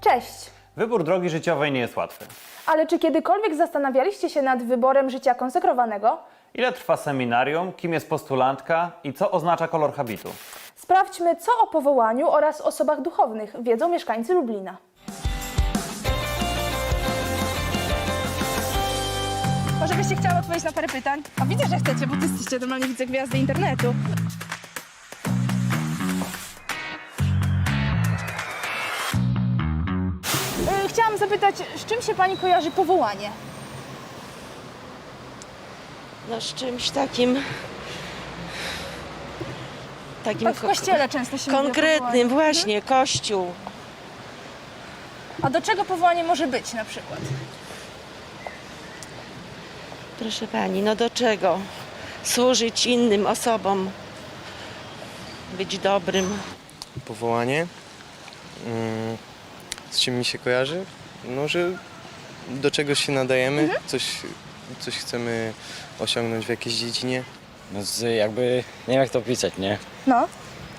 Cześć! Wybór drogi życiowej nie jest łatwy. Ale czy kiedykolwiek zastanawialiście się nad wyborem życia konsekrowanego? Ile trwa seminarium, kim jest postulantka i co oznacza kolor habitu? Sprawdźmy, co o powołaniu oraz osobach duchownych wiedzą mieszkańcy Lublina. Może byście chciały odpowiedzieć na parę pytań? A widzę, że chcecie, bo ty jesteście normalnie, widzę, gwiazdy internetu. Chciałam zapytać, z czym się pani kojarzy powołanie? No z czymś takim... Tak w kościele często się mówi o konkretnym, powołaniu. właśnie, kościół. A do czego powołanie może być na przykład? Proszę pani, no do czego? Służyć innym osobom. Być dobrym. Powołanie? Z czym mi się kojarzy? No, że do czegoś się nadajemy, coś chcemy osiągnąć w jakiejś dziedzinie. No jakby, nie wiem jak to opisać, nie? No.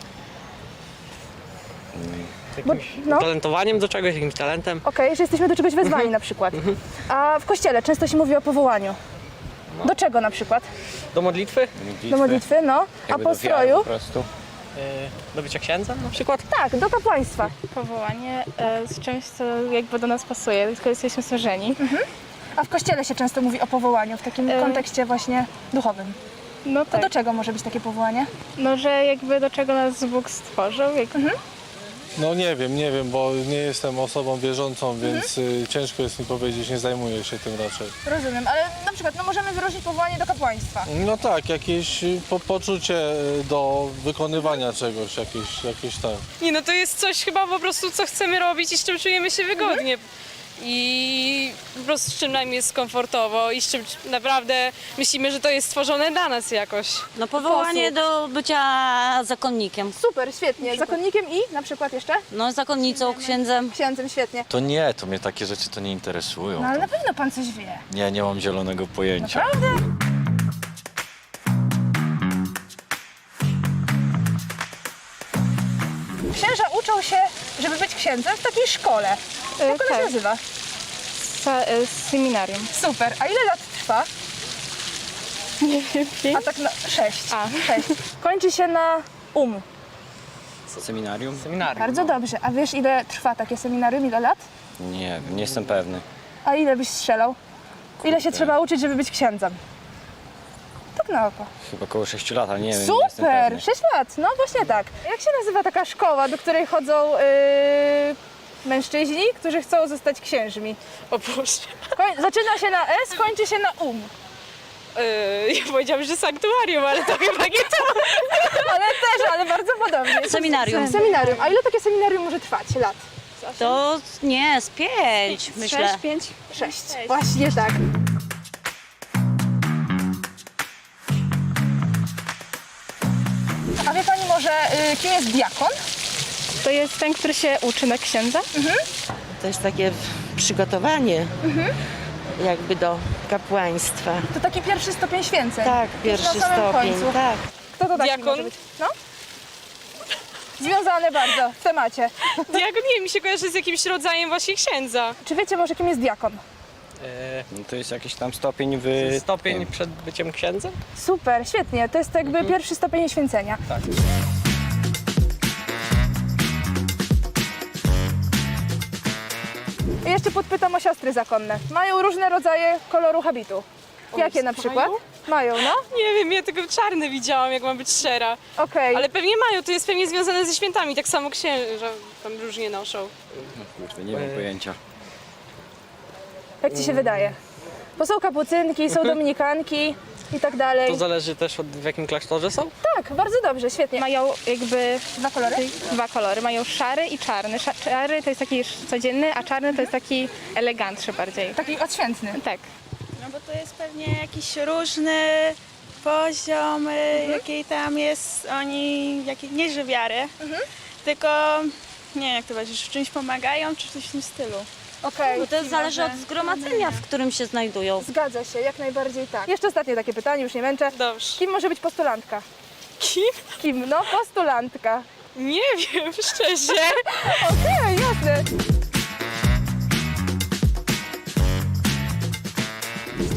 No. Talentowaniem do czegoś, jakimś talentem. Okej, że jesteśmy do czegoś wezwani na przykład. A w kościele często się mówi o powołaniu. Do czego na przykład? Do modlitwy? Do modlitwy, no. A Jakby po do wiary stroju? po prostu. Do bycia księdzem na przykład? Tak, do kapłaństwa. Powołanie z czymś, co jakby do nas pasuje, tylko jesteśmy stworzeni. A w kościele się często mówi o powołaniu w takim kontekście właśnie duchowym. No To tak, do czego może być takie powołanie? no że jakby do czego nas Bóg stworzył. No nie wiem, bo nie jestem osobą wierzącą, więc ciężko jest mi powiedzieć, nie zajmuję się tym raczej. Rozumiem, ale na przykład no możemy wyróżnić powołanie do kapłaństwa. No tak, jakieś poczucie do wykonywania czegoś, jakieś tak. Nie, no to jest coś chyba po prostu, co chcemy robić i z czym czujemy się wygodnie. I po prostu z czym nam jest komfortowo i z czym naprawdę myślimy, że to jest stworzone dla nas jakoś. No powołanie do bycia zakonnikiem. Super, świetnie. Zakonnikiem i na przykład jeszcze? No zakonnicą, księdzem. Księdzem, świetnie. To nie, to mnie takie rzeczy to nie interesują. No ale na pewno pan coś wie. Nie mam zielonego pojęcia. Naprawdę? Księża uczą się, żeby być księdzem w takiej szkole. Jak ona się tak. nazywa? Seminarium. Super. A ile lat trwa? Nie wiem. A tak na 6. A. 6. Kończy się na Seminarium? Seminarium. Bardzo dobrze. A wiesz, ile trwa takie seminarium? Ile lat? Nie jestem pewny. A ile byś strzelał? Ile się trzeba uczyć, żeby być księdzem? Tak na oko. Chyba około 6 lat, ale nie wiem, nie jestem Super! pewny. 6 lat. No właśnie tak. Jak się nazywa taka szkoła, do której chodzą mężczyźni, którzy chcą zostać księżmi? O Boże. Zaczyna się na S, kończy się na Ja powiedziałam, że sanktuarium, ale to chyba nie to. ale bardzo podobnie. Seminarium. Seminarium. A ile takie seminarium może trwać lat? To nie, z 5 myślę. 5. 6. Właśnie tak. A wie pani może, kim jest diakon? To jest ten, który się uczy na księdza. To jest takie przygotowanie jakby do kapłaństwa. To taki pierwszy stopień święceń. Tak, Już pierwszy na samym stopień, końcu. tak. Kto to taki Diakon? może być? No? Związane bardzo w temacie. Diakon, nie, mi się kojarzy z jakimś rodzajem właśnie księdza. Czy wiecie może, kim jest diakon? No to jest jakiś tam stopień Stopień przed byciem księdzem? Super, świetnie. To jest jakby pierwszy stopień święcenia. Tak. I jeszcze podpytam o siostry zakonne. Mają różne rodzaje koloru habitu. Jakie na przykład? Mają, no? Nie wiem, ja tylko czarne widziałam, jak mam być szczera. Okej. Ale pewnie mają, to jest pewnie związane ze świętami, tak samo księża tam różnie noszą. Kurde, nie mam pojęcia. Jak ci się wydaje? Bo są kapucynki, są dominikanki i tak dalej. To zależy też w jakim klasztorze są? Tak, bardzo dobrze, świetnie. Mają jakby Dwa kolory? dwa kolory. Mają szary i czarny. Szary to jest taki codzienny, a czarny to jest taki elegantszy bardziej. Taki odświętny. Tak. No bo to jest pewnie jakiś różny poziom, jakiej tam jest nie że wiary, tylko nie wiem jak to powiedzieć, w czymś pomagają, czy coś w tym stylu. Okej. Bo to zależy od zgromadzenia, w którym się znajdują. Zgadza się, jak najbardziej tak. Jeszcze ostatnie takie pytanie, już nie męczę. Dobrze. Kim może być postulantka? Kim? Kim? No, postulantka. Nie wiem, szczerze. Okej, jasne.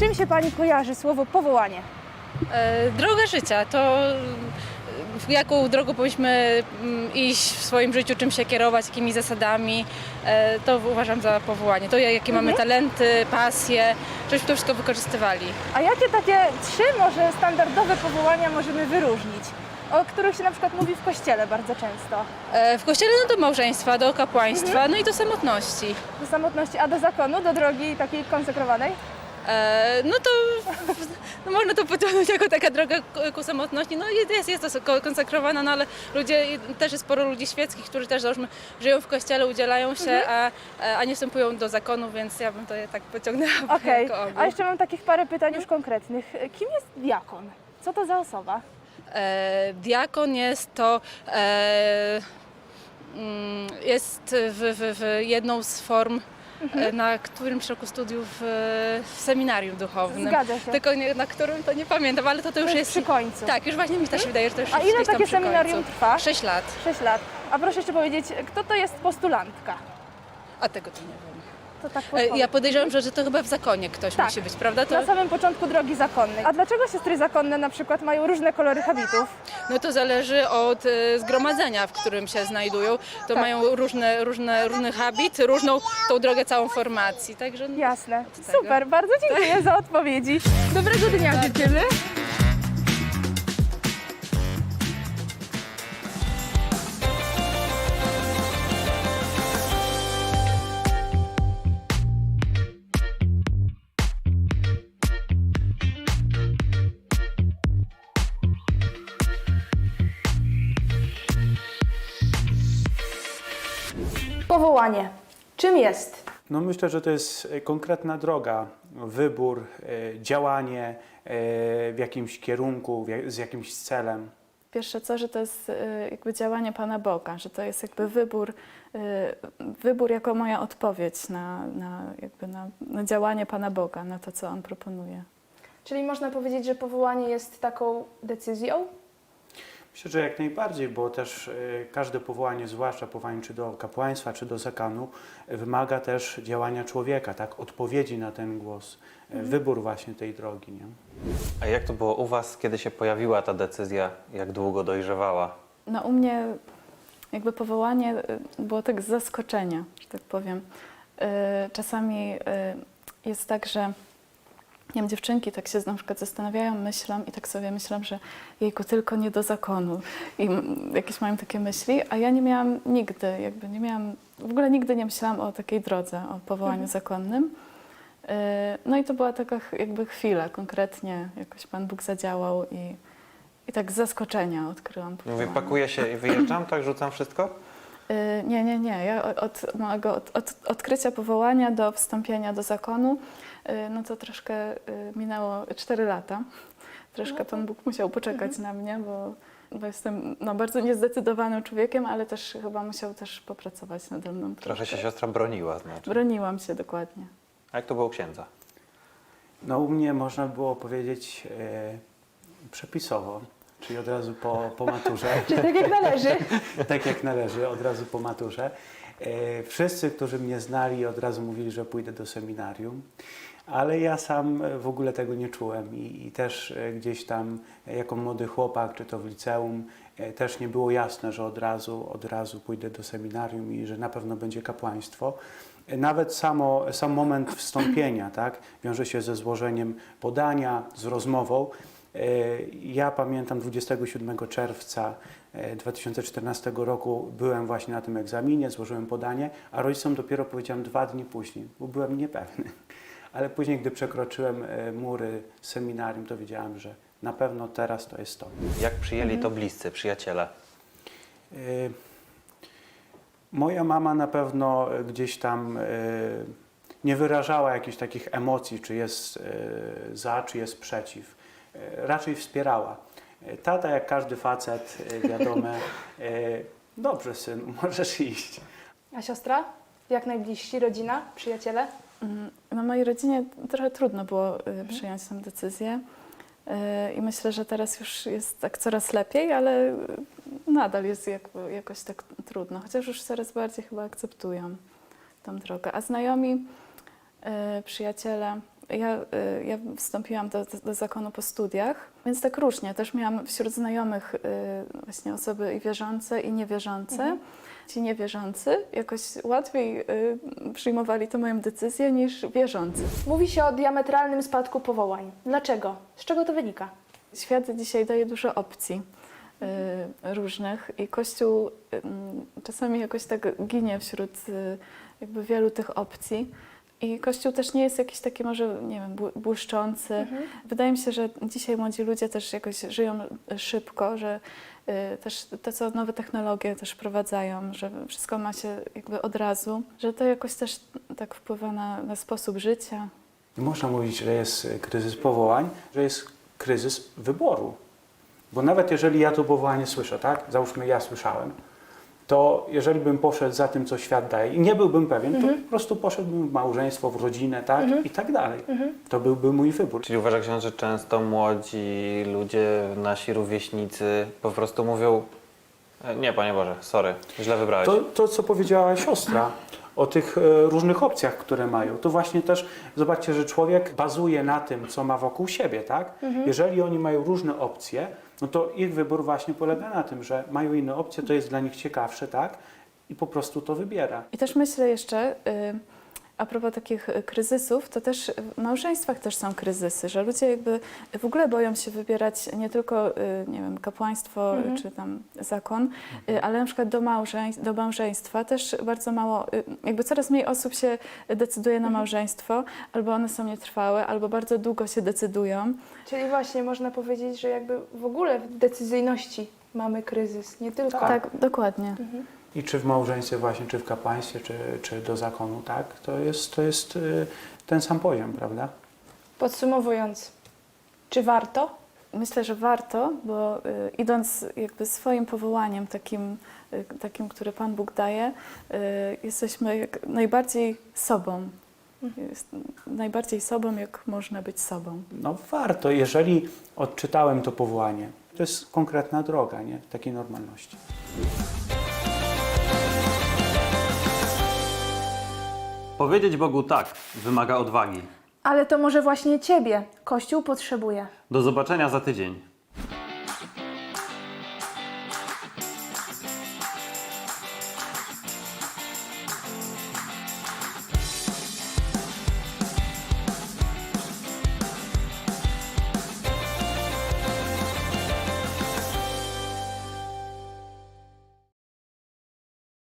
Z czym się Pani kojarzy słowo powołanie? Droga życia to jaką drogą powinniśmy iść w swoim życiu, czym się kierować, jakimi zasadami, to uważam za powołanie. To jakie mamy talenty, pasje, żebyśmy to wszystko wykorzystywali. A jakie takie 3 może standardowe powołania możemy wyróżnić? O których się na przykład mówi w kościele bardzo często. W kościele no do małżeństwa, do kapłaństwa, no i do samotności. Do samotności, a do zakonu, do drogi takiej konsekrowanej? No to no można to pociągnąć jako taka droga ku samotności. No jest to konsekrowana, no ale też jest sporo ludzi świeckich, którzy też załóżmy żyją w kościele, udzielają się, a nie wstępują do zakonu, więc ja bym to tak pociągnęła Okej, jako ogół. a jeszcze mam takich parę pytań już konkretnych. Kim jest diakon? Co to za osoba? Diakon jest to jest w jedną z form na którymś roku studiów w seminarium duchownym. Zgadza się. Tylko na którym to nie pamiętam, ale to już jest przy końcu. Tak, już właśnie mi też wydaje, że to już A jest ile gdzieś tam takie przy końcu. seminarium trwa? 6 lat. 6 lat. A proszę jeszcze powiedzieć, kto to jest postulantka? A tego to nie wiem. To tak Ja podejrzewam, że to chyba w zakonie ktoś Tak. musi być, prawda? To, Na samym początku drogi zakonnej. A dlaczego siostry zakonne na przykład mają różne kolory habitów? no to zależy od zgromadzenia, w którym się znajdują. To mają różny habit, różną tą drogę całą formacji. Także no, Jasne. tego. Super, bardzo dziękuję za odpowiedzi. Dobrego dnia życzymy. Powołanie. Czym jest? No myślę, że to jest konkretna droga, wybór, działanie w jakimś kierunku, z jakimś celem. Pierwsze co, że to jest jakby działanie Pana Boga, że to jest jakby wybór jako moja odpowiedź na działanie Pana Boga, na to, co On proponuje. Czyli można powiedzieć, że powołanie jest taką decyzją? Myślę, że jak najbardziej, bo też każde powołanie, zwłaszcza powołanie czy do kapłaństwa, czy do zakonu, wymaga też działania człowieka, tak? Odpowiedzi na ten głos, wybór właśnie tej drogi. Nie? A jak to było u Was, kiedy się pojawiła ta decyzja? Jak długo dojrzewała? No u mnie jakby powołanie było tak z zaskoczenia, że tak powiem. Czasami jest tak, że nie wiem, dziewczynki tak się na przykład zastanawiają, myślą i tak sobie myślą, że jejku, tylko nie do zakonu. I jakieś mają takie myśli, a ja nie miałam nigdy, w ogóle nigdy nie myślałam o takiej drodze, o powołaniu zakonnym. No i to była taka jakby chwila, konkretnie jakoś Pan Bóg zadziałał i tak z zaskoczenia odkryłam powołanie. Mówię, pakuję się i wyjeżdżam, tak rzucam wszystko? Nie. Ja od mojego odkrycia powołania do wstąpienia do zakonu, no to troszkę minęło 4 lata. Troszkę Pan Bóg musiał poczekać na mnie, bo jestem bardzo niezdecydowanym człowiekiem, ale też chyba musiał też popracować nade mną. Trochę się siostra broniła, znaczy. Broniłam się dokładnie. A jak to było u księdza? No u mnie można było powiedzieć przepisowo, czyli od razu po maturze. Czyli tak jak należy. Tak jak należy, od razu po maturze. Wszyscy, którzy mnie znali, od razu mówili, że pójdę do seminarium, ale ja sam w ogóle tego nie czułem i też gdzieś tam jako młody chłopak, czy to w liceum, też nie było jasne, że od razu pójdę do seminarium i że na pewno będzie kapłaństwo. Nawet sam moment wstąpienia, tak, wiąże się ze złożeniem podania, z rozmową. Ja pamiętam 27 czerwca 2014 roku byłem właśnie na tym egzaminie, złożyłem podanie, a rodzicom dopiero powiedziałem 2 dni później, bo byłem niepewny. Ale później, gdy przekroczyłem mury seminarium, to wiedziałem, że na pewno teraz to jest to. Jak przyjęli to bliscy, przyjaciele? Moja mama na pewno gdzieś tam nie wyrażała jakichś takich emocji, czy jest za, czy jest przeciw. Raczej wspierała. Tata, jak każdy facet, wiadome, dobrze synu, możesz iść. A siostra? Jak najbliżsi? Rodzina? Przyjaciele? No mojej rodzinie trochę trudno było przyjąć tę decyzję i myślę, że teraz już jest tak coraz lepiej, ale nadal jest jakoś tak trudno, chociaż już coraz bardziej chyba akceptują tą drogę. A znajomi, przyjaciele, ja wstąpiłam do zakonu po studiach, więc tak różnie. Też miałam wśród znajomych właśnie osoby i wierzące, i niewierzące. Ci niewierzący jakoś łatwiej przyjmowali tę moją decyzję niż wierzący. Mówi się o diametralnym spadku powołań. Dlaczego? Z czego to wynika? Świat dzisiaj daje dużo opcji różnych i Kościół czasami jakoś tak ginie wśród jakby wielu tych opcji. I Kościół też nie jest jakiś taki może, nie wiem, błyszczący. Wydaje mi się, że dzisiaj młodzi ludzie też jakoś żyją szybko, że też to, co nowe technologie też wprowadzają, że wszystko ma się jakby od razu, że to jakoś też tak wpływa na sposób życia. Nie można mówić, że jest kryzys powołań, że jest kryzys wyboru. Bo nawet jeżeli ja to powołanie słyszę, tak? Załóżmy, ja słyszałem, to jeżeli bym poszedł za tym, co świat daje i nie byłbym pewien, to po prostu poszedłbym w małżeństwo, w rodzinę, tak? I tak dalej. To byłby mój wybór. Czyli uważa ksiądz, że często młodzi ludzie, nasi rówieśnicy po prostu mówią: nie, Panie Boże, sorry, źle wybrałeś. To, co powiedziała siostra o tych różnych opcjach, które mają, to właśnie też zobaczcie, że człowiek bazuje na tym, co ma wokół siebie, tak? Jeżeli oni mają różne opcje, no to ich wybór właśnie polega na tym, że mają inne opcje, to jest dla nich ciekawsze, tak? I po prostu to wybiera. I też myślę jeszcze, a propos takich kryzysów, to też w małżeństwach też są kryzysy, że ludzie jakby w ogóle boją się wybierać nie tylko, nie wiem, kapłaństwo czy tam zakon, ale na przykład do małżeństwa też bardzo mało, jakby coraz mniej osób się decyduje na małżeństwo, albo one są nietrwałe, albo bardzo długo się decydują. Czyli właśnie można powiedzieć, że jakby w ogóle w decyzyjności mamy kryzys, nie tylko... Tak, dokładnie. I czy w małżeństwie właśnie, czy w kapłaństwie, czy do zakonu, tak? To jest ten sam poziom, prawda? Podsumowując, czy warto? Myślę, że warto, bo idąc jakby swoim powołaniem, takim, które Pan Bóg daje, jesteśmy jak najbardziej sobą. Najbardziej sobą, jak można być sobą. No warto, jeżeli odczytałem to powołanie. To jest konkretna droga, nie? Takiej normalności. Powiedzieć Bogu tak wymaga odwagi. Ale to może właśnie Ciebie Kościół potrzebuje. Do zobaczenia za tydzień.